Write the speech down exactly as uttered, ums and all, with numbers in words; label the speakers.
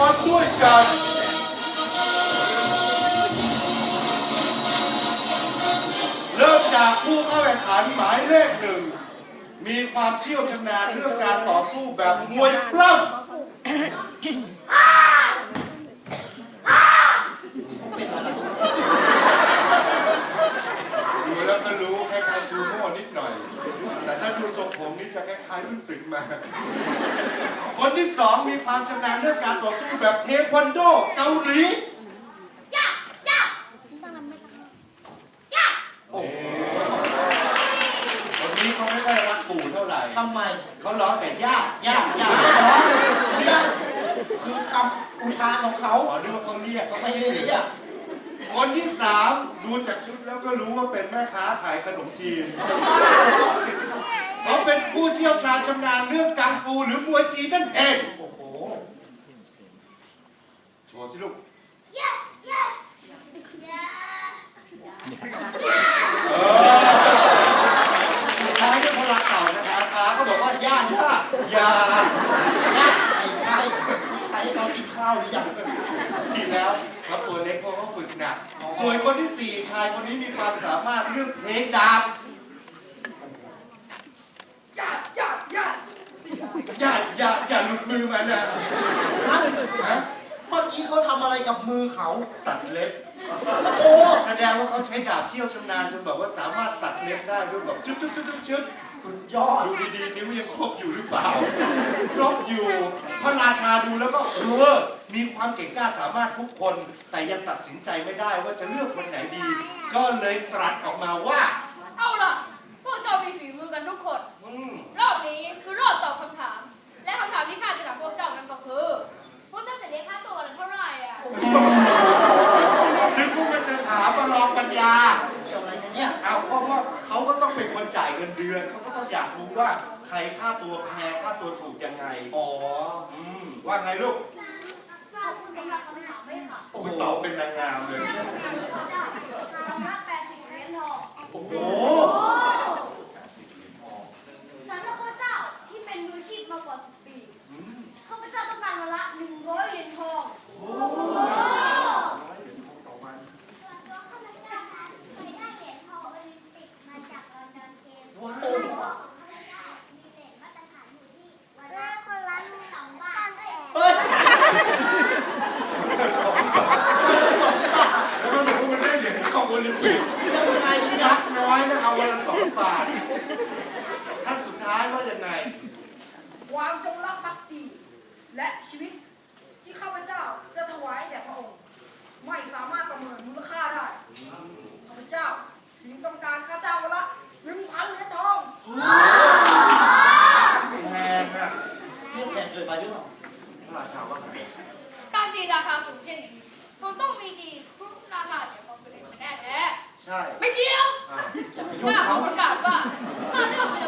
Speaker 1: รด้วยกันเริ่มจากผู้เข้าแข่งขันหมายเลขหนึ่งมีความเชี่ยวชาญเรื่องการต่อสู้แบบมวยปล้ำดูแล้วก็รู้คล้ายๆซูโม่นิดหน่อยแต่ถ้าดูทรงผมนี่จะคล้ายๆรุ่นศึกมาคนที่สองมีความชำนาญเรื่องการต่อสู้แบบเทควันโดเกาหลีย่าย่าย่าโอ้คนนี้เขาไม่ค่อยรักปู่เท่าไหร่
Speaker 2: ทำไม
Speaker 1: เขาร้องแต่ย่าย่าย่า
Speaker 2: ไม่ใช่คือคำอุทานของเขา
Speaker 1: อ๋อนึกว่าเขาเรียกเขา
Speaker 2: ไม่
Speaker 1: ไม่
Speaker 2: ได้
Speaker 1: เรี
Speaker 2: เรี
Speaker 1: ย
Speaker 2: ย
Speaker 1: ก
Speaker 2: ก
Speaker 1: คนที่สามดูจากชุดแล้วก็รู้ว่าเป็นแม่ค้าขายขนมจีนเขาเป็นผู้เชี่ยวชาญชำนาญเรื่องกังฟูหรือมวยจีนนั่นเองโอ้โหโชว์สิลูกเออสุดท้ายด้วยพลังเก่านะครับตาก็บอกว่าย่าย่าย่าย่า
Speaker 2: ไม่ใช่ใครเขากินข้าวหรือยัง
Speaker 1: ดีแล้วเขาตัวเล็กเพราะเขาฝึกหนักส่วนคนที่สี่ชายคนนี้มีความสามารถเรื่องเพลงดาบอย่าอย่าอย่าอย่าอย่าอย่าหลุดมือมันนะฮะ
Speaker 2: เมื่อกี้เขาทำอะไรกับมือเขา
Speaker 1: ตัดเล็บ
Speaker 2: โอ้
Speaker 1: แสดงว่าเขาใช้ดาบเชี่ยวชำนาญจนแบบว่าสามารถตัดเล็บได้ด้วยแบบชึ๊บชึ๊บชึ๊บชึ๊บ
Speaker 2: สุดยอด
Speaker 1: ดูดีๆนิ้วยังครบอยู่หรือเปล่าครบอยู่พระราชาดูแล้วก็รู้ว่ามีความเก่งกล้าสามารถทุกคนแต่ยังตัดสินใจไม่ได้ว่าจะเลือกคนไหนดีก็เลยตรัสออกมาว่า
Speaker 3: เอาล่ะพวกเจ้ามีฝีมือกันทุกคนรอบนี้คือรอบตอบคำถามและคำถามที่ข้าจะถามพวกเจ้านั้นก็คือพวกเจ้าจะเรียกค่าตัวกันเท่าไหร่อ่ะ
Speaker 1: นึกว่ามันจะถามมาลองปัญญา
Speaker 2: เกี่ยวอะไรกันเนี่ย
Speaker 1: เอาเพราะว่าเขาก็ต้องเป็นคนจ่ายเงินเดือนเขาก็ต้องอยากรู้ว่าใครค่าตัวแพงค่าตัวถูกยังไง
Speaker 2: อ๋อ
Speaker 1: อืมว่าไงลูก
Speaker 3: ขอบคุณสำหรับคำถามด้วยค่ะ
Speaker 1: โอ้ยตอบเป็นนางงามเลย
Speaker 3: คำละแปดสิบเหรียญทอง
Speaker 1: โอ้โห
Speaker 3: สำหรับข้าเจ้าที่เป็นมืออาชีพมากกว่าสิบปีข้าพเจ้าต้องการวันละหนึ่งร้อยเหรียญทอง
Speaker 1: โอ้
Speaker 3: ส่วนตัวข้าพเจ้านั้นเคยได้เหรียญทองโอลิมปิกมาจากลอนดอนเกมส์ในตัวของข้าพเจ้ามีเหรียญมาตรฐานอยู่ที่วันละคนละสองบาท
Speaker 2: เฮ้ย
Speaker 1: สองบาทแล้วมันบอกว่ามันได้เหรียญทองโอลิมปิก
Speaker 2: ยังไงเนี่
Speaker 1: ยั
Speaker 2: ย
Speaker 1: กน้อยนะเอาวันละสองบาทขั้นสุดท้ายว่ายังไง
Speaker 4: ความจงรักภักดีและชีวิตที่ข้าพเจ้าจะถวายแด่พระองค์ไม่สามารถประเมินมูลค่าได้ข้าพเจ้าจึงต้องการค่าจ้างวันละหนึ่งพันเหรียญทอง
Speaker 1: แพงอ่ะ
Speaker 2: เรียกแพงเกินไปหรือเปล่า
Speaker 1: พระราชาว่าไง
Speaker 3: การตีราคาสูงเช่นนี้คงต้องมีดีครุฑราคาเดี๋ยวความเป็นแน่แท้
Speaker 1: ใช่
Speaker 3: ไม่เกี่ยวข้าขอประกาศว่าข้าเลือกใน